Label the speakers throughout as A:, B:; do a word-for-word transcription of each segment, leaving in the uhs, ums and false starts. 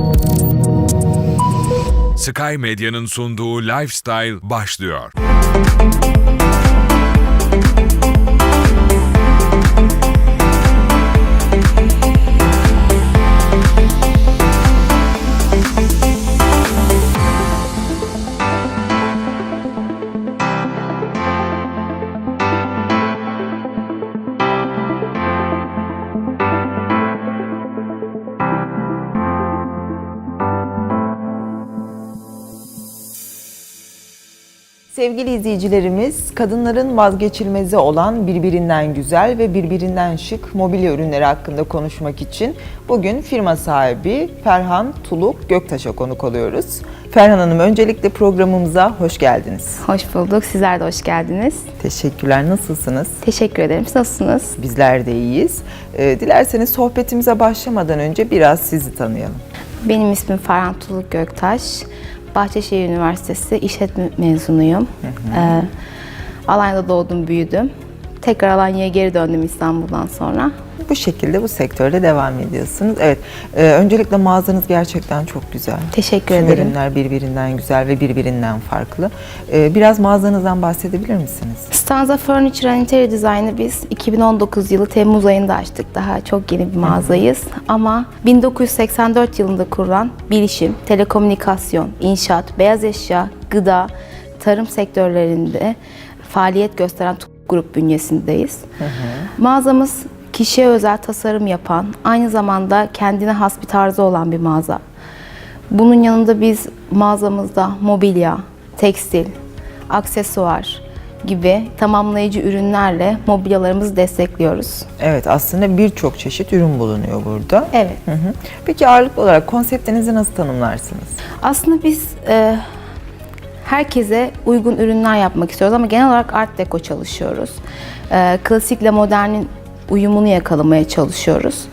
A: Sky Medya'nın sunduğu Lifestyle başlıyor.
B: Sevgili izleyicilerimiz, kadınların vazgeçilmezi olan birbirinden güzel ve birbirinden şık mobilya ürünleri hakkında konuşmak için bugün firma sahibi Ferhan Tuluk Göktaş'a konuk oluyoruz. Ferhan Hanım, öncelikle programımıza hoş geldiniz.
C: Hoş bulduk. Sizler de hoş geldiniz.
B: Teşekkürler. Nasılsınız?
C: Teşekkür ederim. Siz nasılsınız?
B: Bizler de iyiyiz. Ee, dilerseniz sohbetimize başlamadan önce biraz sizi tanıyalım.
C: Benim ismim Ferhan Tuluk Göktaş. Bahçeşehir Üniversitesi İşletme mezunuyum. Hı hı. Ee, Alanya'da doğdum, büyüdüm. Tekrar Alanya'ya geri döndüm İstanbul'dan sonra.
B: Bu şekilde bu sektörde devam ediyorsunuz. Evet, e, öncelikle mağazanız gerçekten çok güzel.
C: Teşekkür
B: Tüm
C: ederim.
B: ürünler birbirinden güzel ve birbirinden farklı. E, biraz mağazanızdan bahsedebilir misiniz?
C: Stanza Furniture and Interior Design'ı biz iki bin on dokuz yılı Temmuz ayında açtık. Daha çok yeni bir mağazayız. Hı hı. Ama bin dokuz yüz seksen dört yılında kurulan bilişim, telekomünikasyon, inşaat, beyaz eşya, gıda, tarım sektörlerinde faaliyet gösteren grup bünyesindeyiz. Hı hı. Mağazamız kişiye özel tasarım yapan, aynı zamanda kendine has bir tarzı olan bir mağaza. Bunun yanında biz mağazamızda mobilya, tekstil, aksesuar gibi tamamlayıcı ürünlerle mobilyalarımızı destekliyoruz.
B: Evet, aslında birçok çeşit ürün bulunuyor burada.
C: Evet.
B: Hı hı. Peki ağırlıklı olarak konseptinizi nasıl tanımlarsınız?
C: Aslında biz e, herkese uygun ürünler yapmak istiyoruz ama genel olarak art deco çalışıyoruz. E, klasikle modernin uyumunu yakalamaya çalışıyoruz.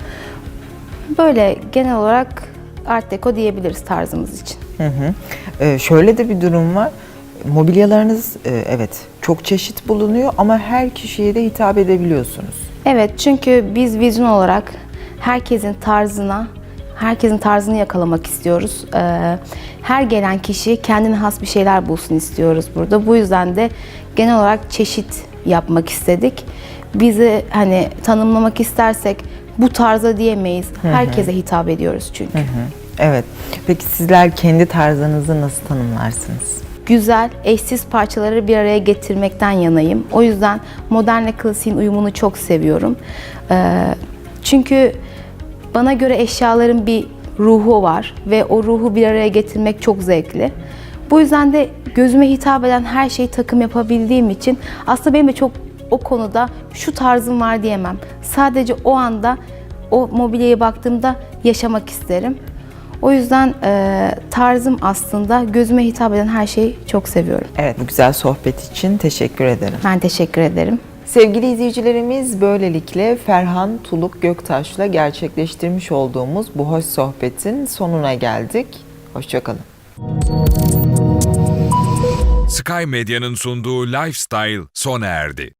C: Böyle genel olarak art deco diyebiliriz tarzımız için.
B: Hı hı. Ee, şöyle de bir durum var. Mobilyalarınız e, evet çok çeşit bulunuyor ama her kişiye de hitap edebiliyorsunuz.
C: Evet, çünkü biz vizyon olarak herkesin tarzına, herkesin tarzını yakalamak istiyoruz. Ee, her gelen kişi kendine has bir şeyler bulsun istiyoruz burada. Bu yüzden de genel olarak çeşit yapmak istedik. Bizi hani tanımlamak istersek bu tarza diyemeyiz. Herkese hitap ediyoruz çünkü.
B: Hı hı. Evet. Peki sizler kendi tarzınızı nasıl tanımlarsınız?
C: Güzel, eşsiz parçaları bir araya getirmekten yanayım. O yüzden modernle klasiğin uyumunu çok seviyorum. Ee, çünkü bana göre eşyaların bir ruhu var ve o ruhu bir araya getirmek çok zevkli. Bu yüzden de gözüme hitap eden her şeyi takım yapabildiğim için aslında benim de çok o konuda şu tarzım var diyemem. Sadece o anda o mobilyaya baktığımda yaşamak isterim. O yüzden e, tarzım aslında gözüme hitap eden her şeyi çok seviyorum.
B: Evet, bu güzel sohbet için teşekkür ederim.
C: Ben teşekkür ederim.
B: Sevgili izleyicilerimiz, böylelikle Ferhan Tuluk Göktaş'la gerçekleştirmiş olduğumuz bu hoş sohbetin sonuna geldik. Hoşça kalın.
A: Sky Medya'nın sunduğu Lifestyle sona erdi.